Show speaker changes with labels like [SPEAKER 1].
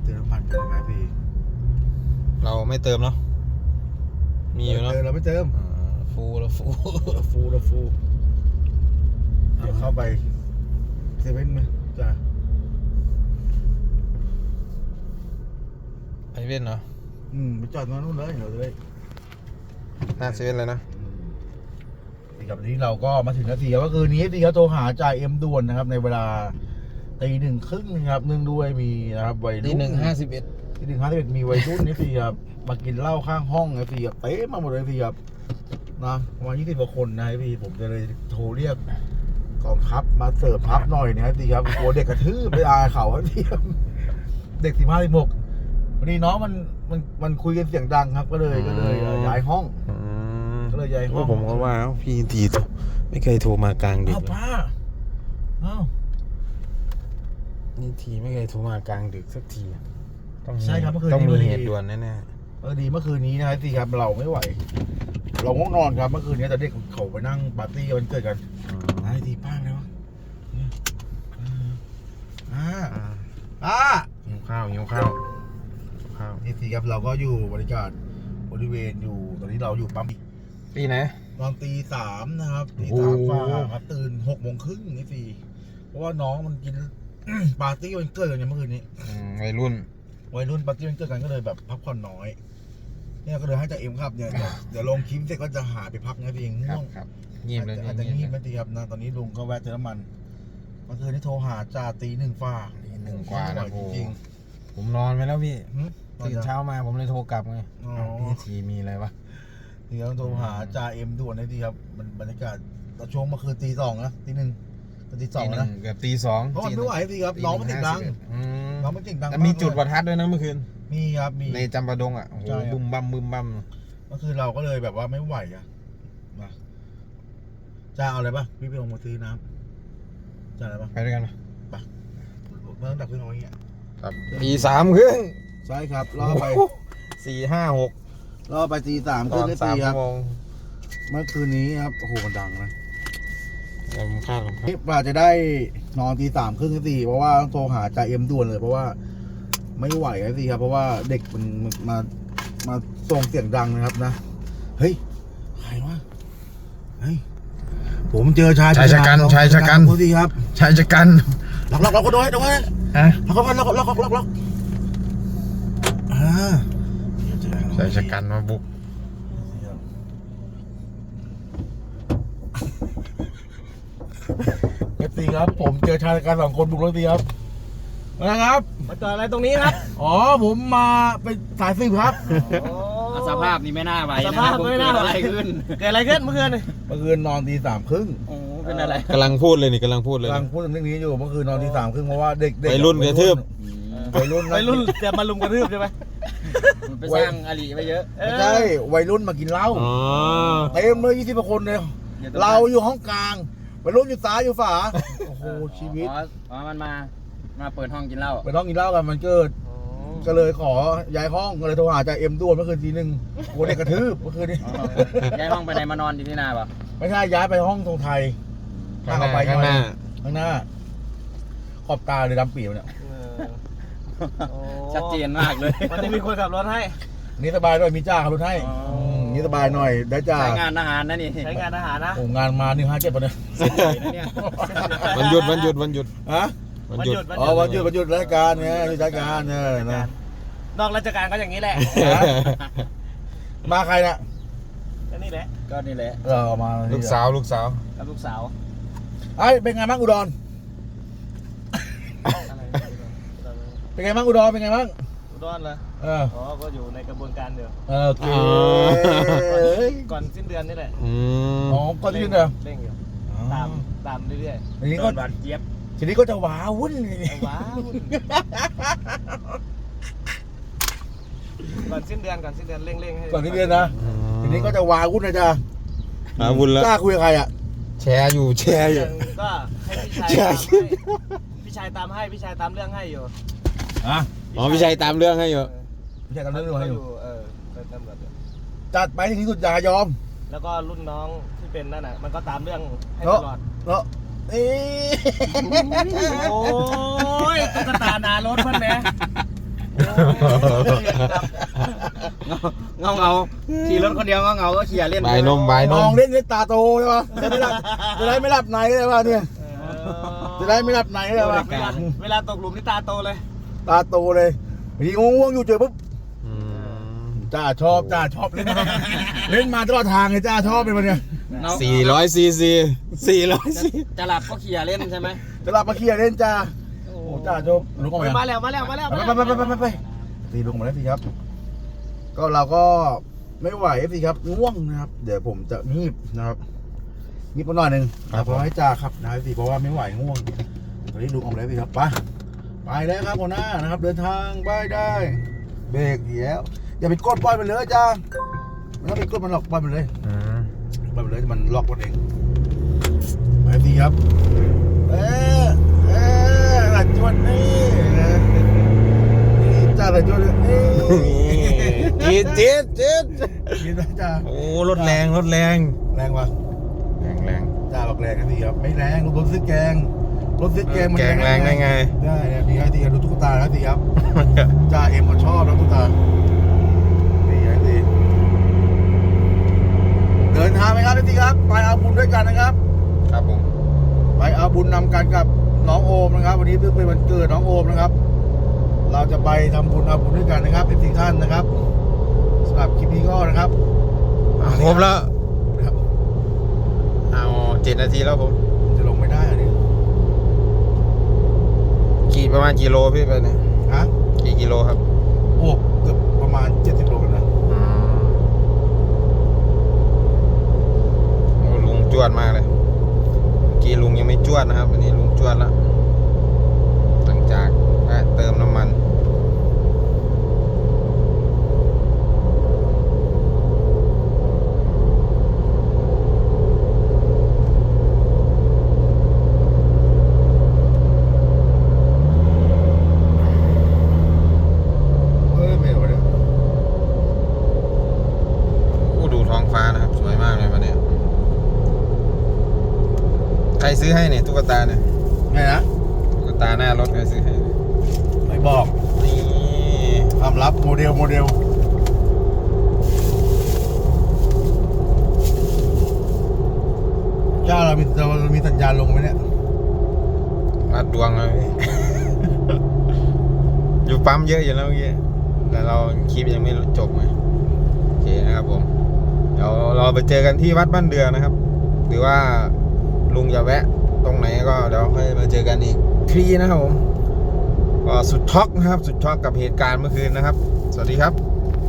[SPEAKER 1] เติมน้ำมันกันนะครับพี่
[SPEAKER 2] เราไม่เติมเนาะมีอยู่เนาะ
[SPEAKER 1] เราไม่เติม
[SPEAKER 2] ฟูแล้วฟู
[SPEAKER 1] เดี๋ยวเข้าไปเซเว่นไหมจ้ะ
[SPEAKER 2] ไอเว่นเนาะ
[SPEAKER 1] ไปจอดตรงนู้นเลยเราเลย
[SPEAKER 2] หน้าเซเว่นเลยนะ
[SPEAKER 1] ทีกับนี้เราก็มาถึงนาทีก็คือนี้ทีเขาโทรหาจ่าเอ็มด่วนนะครับในเวลา1:30นะครับเนื่องด้วยมีนะครับวัยรุ่น
[SPEAKER 2] 1:51
[SPEAKER 1] 1:51มีวัยรุ่นนี่สิครับมากินเหล้าข้างห้องไอ้สิครับเต็มมาหมดเลยสิครับนะประมาณ20 กว่าคนนะพี่ผมจะเลยโทรเรียกกองทัพมาเสิร์ฟทัพหน่อยนะสิครับกลัวเด็กกระทืบไปอายเขาพี่ครับเด็ก15 16วันนี้น้องมันคุยกันเสียงดังครับก็เลยย้ายห้องก็เลยย้ายห้อง
[SPEAKER 2] ผมก็ว่าพี่ทีไม่เคยโทรมากลางดึก
[SPEAKER 1] ป้า
[SPEAKER 2] นี่ทีไม่เคยโทรมากลางดึกสักที
[SPEAKER 1] ใช่ครับเมื่อคืน
[SPEAKER 2] ต้องมี
[SPEAKER 1] นี้
[SPEAKER 2] เหตุด่วนแน่
[SPEAKER 1] ดีเมื่อคืนนี้นะครับสิครับเราไม่ไหวเราง่วงนอนครับเมื่อคืนนี้แต่เด็กเขาไปนั่งปาร์ตี้วันเกิดกันไอ้ทีป้าเลยวะ
[SPEAKER 2] หิวข้าว
[SPEAKER 1] นี่สิครับเราก็อยู่บริการบริเวณอยู่ตอนนี้เราอยู่ปั๊ม
[SPEAKER 2] ตีไหน
[SPEAKER 1] ตอน3:00นะครับ3:00กว่าครับตื่น6:30นี่สิเพราะว่าน้องมันกิน ปาร์ตี้วันเกิดกันเมื่อคืนนี้
[SPEAKER 2] วัยรุ่น
[SPEAKER 1] ปาร์ตี้วันเกิดกันก็เลยแบบพักผ่อนน้อยเนี่ยก็เลยให้จ่าเอ็มครับเนี่ยเดี๋ยวลงคลิปเสร็จก็จะหาไปพักนะพี่เองง่วง
[SPEAKER 2] เงียบเลย
[SPEAKER 1] อาจจะงีบไม่ตีครับนะตอนนี้ลุงก็แวะเติมน้ำมันเมื่อคืนนี้โทรหาจ่า1:00ฝ่า
[SPEAKER 2] 1 กว่านะ
[SPEAKER 1] จริง
[SPEAKER 2] ผมนอนไปแล้วพี่ตื่นเช้ามาผมเลยโทรกลับไงพี่ทีมีอะไรวะ
[SPEAKER 1] นี่เราโทรหาจ่าเอ็มด่วนเลยดีครับมันบรรยากาศตอนช่วงเมื่อคืน2:00นะ1:00ตี 2นะ
[SPEAKER 2] เกือบ2:00
[SPEAKER 1] เพราะมันไม่ไหวสิครับน้องมันเสียงดัง
[SPEAKER 2] แต่มีจุดประทัดด้วยนะเมื่อคืน
[SPEAKER 1] มีครับมี
[SPEAKER 2] ในจำปาดงอ่ะโอ้โหบึ้มบั้มเ
[SPEAKER 1] มื่อคืนเราก็เลยแบบว่าไม่ไหวอ่ะมาจ่าเอาอะไรป่ะพี่ไปลงมาซื้อน้ำจ่าอะไรป่ะ
[SPEAKER 2] ไปด้วยกัน
[SPEAKER 1] ไปเมื่อดับเครื่องเอาอย่างเงี้ย
[SPEAKER 2] ครับ3:30
[SPEAKER 1] ใช่ครับล่อไป
[SPEAKER 2] 4-5-6
[SPEAKER 1] ล่อไป3:30ขึ้นได้4ครับเมื่อคืนนี้ครับโอ้โหมันดังนะ
[SPEAKER 2] ผมคาด
[SPEAKER 1] นี่ป่าจะได้นอน3:30ขึ้นได้4เพราะว่าต้องโทรหาจ่าเอ็มด่วนเลยเพราะว่าไม่ไหวแล้วสิครับเพราะว่าเด็กมันมาส่งเสียงดังนะครับนะเฮ้ยใครวะเฮ้ยผมเจอชาย
[SPEAKER 2] ชะกัน
[SPEAKER 1] พูดสิครับ
[SPEAKER 2] ชายชะกัน
[SPEAKER 1] ล็อกก็ด้วยล็อก
[SPEAKER 2] ชายชะกันมาบุก
[SPEAKER 1] ตีครับผมเจอชายชะกัน2 คนบุกแล้วตีครับนะครับ
[SPEAKER 3] มาจอดอะไรตรงนี้ครับ
[SPEAKER 1] อ๋อผมมาเป็นสายสืบครับ
[SPEAKER 3] สภาพนี้ไม่น่าไหวสภาพไม่น่าไหวเกิดอะไรขึ้นเมื่อคืน
[SPEAKER 1] นอน3:30
[SPEAKER 3] โอ้เป็นอะไร
[SPEAKER 2] กำลังพูดเลยนี่กำลังพูดเ
[SPEAKER 1] รื่องนี้อยู่เมื่อคืนนอน3:30เพราะว่าเด็ก
[SPEAKER 2] วัยรุ่นกระทืบ
[SPEAKER 1] วัยรุ่น
[SPEAKER 3] จะมาลุมกระทืบใช่ไหมไปสร้างอลีไปเยอะ
[SPEAKER 1] ไม่ใช่วัยรุ่นมากินเหล้าเต็มเลย20 กว่าคนเลยเราอยู่ห้องกลางวัยรุ่นอยู่ซ้ายอยู่ฝาโอ้โหชีวิต
[SPEAKER 3] มันมาเปิดห้องกินเหล้า
[SPEAKER 1] กันมันเกิดก็เลยขอย้ายห้องก็เลยโทรหาจ่าเอ็มด่วนเมื่อคืนที 1กลัวเด็กกระทืบเมื่อคืนนี้
[SPEAKER 3] ย้ายห้องไปไหนมานอนอยู่ที่นาป่ะ
[SPEAKER 1] ไม่ใช่ย้ายไปห้องตรงไทย
[SPEAKER 2] ข้างหน้า
[SPEAKER 1] ขอบตาเลยดำปีเนี่ย
[SPEAKER 3] ชัดเจนมากเลยวันนี้มีคนขับรถให้
[SPEAKER 1] นี่สบายหน่อยมีจ้าขับรถให้นี่สบายหน่อยได้จ้า
[SPEAKER 3] ใช้งานทหารนะนี่ใช้งานทหารนะ
[SPEAKER 1] โอ้งานมา157ป่ะเนี่ย
[SPEAKER 2] วันหยุดฮะวันหยุด
[SPEAKER 1] วันหยุดราชการเนี่ยราชการเนี่ยนะ
[SPEAKER 3] นอกราชการก็อย่างนี้แหละ
[SPEAKER 1] มาใครน่ะ
[SPEAKER 3] ก็นี่แหละ
[SPEAKER 1] มา
[SPEAKER 2] ลูกสาว
[SPEAKER 1] ไอ้เป็นไงบ้างอุดรเป็นไงบ้างอุดรเหรอ
[SPEAKER 3] ก็อยู่ในกระบวนการเดียว
[SPEAKER 1] โอเค
[SPEAKER 3] ก่อนสิ้นเดือนนี่แหละ
[SPEAKER 1] ก่อนสิ้นเดือน
[SPEAKER 3] เร่งอยู่ตามเรื่อย
[SPEAKER 1] ๆทีนี้ก็
[SPEAKER 3] หวานเจี๊ยบ
[SPEAKER 1] ทีนี้ก็จะว้าวุ่น
[SPEAKER 3] ก่อนสิ้นเดือนเร่งให้
[SPEAKER 1] ก่อนสิ้นเดือนนะทีนี้ก็จะว้าวุ่นนะจ๊ะ
[SPEAKER 2] ว้าวุ่นแล้ว
[SPEAKER 1] กล้าคุยกับใครอ่ะ
[SPEAKER 2] แชร์อยู่
[SPEAKER 3] ก็ให้พี่ชายตามให้พี่ชายตามเรื่องให้อยู่
[SPEAKER 2] พี่ชายตามเรื่องให้อยู่
[SPEAKER 1] จัดไปถึงที่สุดอย่ายอม
[SPEAKER 3] แล้วก็รุ่นน้องที่เป็นนั่นน่ะมันก็ตามเรื่องให้ตลอดโอ้ยตุ๊กตาหนารถเพื่อนแม่เงาเงาขี่รถคนเดียวเงาเงาก็ขี่เล่น
[SPEAKER 2] บายนมบายน
[SPEAKER 1] มอ
[SPEAKER 2] ม
[SPEAKER 1] งเล่นในตาโตใช่ปะจะได้ไม่หลับในเลยป่ะเนี่ยจะได้ไม่หลับในเลยป่ะ
[SPEAKER 3] เวลาตกหลุมนี่ตาโตเลย
[SPEAKER 1] ตาโตเลยมีง่วงๆอยู่เจอปุ๊บ
[SPEAKER 2] อืม
[SPEAKER 1] จ้าชอบเล่นมาเล่นมาตลอดทางเลยจ้าชอบเป็นมันเนี่ย
[SPEAKER 2] 400 cc 400 cc
[SPEAKER 3] จะหลับก็ขี่เล่นใช่ไหม
[SPEAKER 1] จะหลับมาเคลียร์เล่นจ้าโอ้จ้าชอบลุกออกมา
[SPEAKER 3] มาแล้วมาแล้วมาแล้ว
[SPEAKER 1] ไปตีลุกมาแล้วสิครับ ก็เราก็ไม่ไหวสิครับง่วงนะครับ เดี๋ยวผมจะงีบนะครับงีบมาหน่อยหนึ่งเพราะให้จ่าครับนะครับสิเพราะว่าไม่ไหวง่วงตอนนี้ลุกออกมาแล้วสิครับไปแล้วครับหัวหน้านะครับ เดินทางไปได้เบรกเดี๋ยวอย่าไปกดปล่อยมันเลยจ้าไม่ต้องไปกดมันหรอกปล่อยมันเลย
[SPEAKER 2] อืม
[SPEAKER 1] ปล่อยมันเลยมันล็อกมันเองไปสิครับหลัดจวนนี่จ้าหลัดจวนนี่
[SPEAKER 2] จี๊ด
[SPEAKER 1] กินนะจ้า
[SPEAKER 2] โอ้รถแรงรถแรง
[SPEAKER 1] แรงวะ
[SPEAKER 2] แรง
[SPEAKER 1] จ้าบอกแรงนะสิครับไม่แรงรถซื้อแกงมัน
[SPEAKER 2] แกงแรงได้ไง
[SPEAKER 1] ได้เนี่ยมีไอ้ทีครับดูตุ๊กตาแล้วสิครับจ้าเอ็มก็ชอบแล้วตุ๊กตานี่ไอ้ทีเดินทางไหมครับไอ้ทีครับไปเอาบุญด้วยกันนะครับ
[SPEAKER 2] ครับผม
[SPEAKER 1] ไปเอาบุญนำกันกับน้องโอมนะครับ วันนี้เพิ่งเป็นวันเกิดน้องโอมนะครับ เราจะไปทำบุญเอาบุญด้วยกันนะครับเป็นสิ่งท่านนะครับสำหรับคลิปนี้ก็นะครับ
[SPEAKER 2] ครบแล้ว
[SPEAKER 1] นะครับ
[SPEAKER 2] เอา7 นาทีแล้วผม
[SPEAKER 1] จะลงไม่ได้อันนี้
[SPEAKER 2] ขี่ประมาณกี่โลพี่ไปเนี่ย
[SPEAKER 1] ฮะ
[SPEAKER 2] กี่กิโลครับ
[SPEAKER 1] โอ้เกือบประมาณ70 โลกันนะ
[SPEAKER 2] โอ้ลุงจวดมากเลยกี่ลุงยังไม่จวดนะครับวันนี้ลุงจวดแล้วหลังจากแวะเติมน้ำมัน
[SPEAKER 1] ไม่เอาเลย
[SPEAKER 2] โอ้ดูท้องฟ้านะครับสวยมากเลยวันนี้ใครซื้อให้เนี่ยตุ๊กตาเนี่ย
[SPEAKER 1] ไงนะ
[SPEAKER 2] ตุ๊กตาหน้ารถใครซื้อให้
[SPEAKER 1] ไม่บอก
[SPEAKER 2] นี่
[SPEAKER 1] ความลับโมเดลจ้าเรามีสัญญาณลงไหมเนี่ย
[SPEAKER 2] วัดดวงเลย อยู่ปั๊มเยอะอยู่แล้วเมื่อกี้แต่เราคลิปยังไม่จบไงโอเคนะครับผมเดี๋ยวเราไปเจอกันที่วัดบ้านเดือนะครับ หรือว่าลุงจะแวะตรงไหนก็เดี๋ยวค่อยมาเจอกันอีกทีนะครับผมก็สุดช็อกนะครับสุดช็อกกับเหตุการณ์เมื่อคืนนะครับ สวัสดีครับ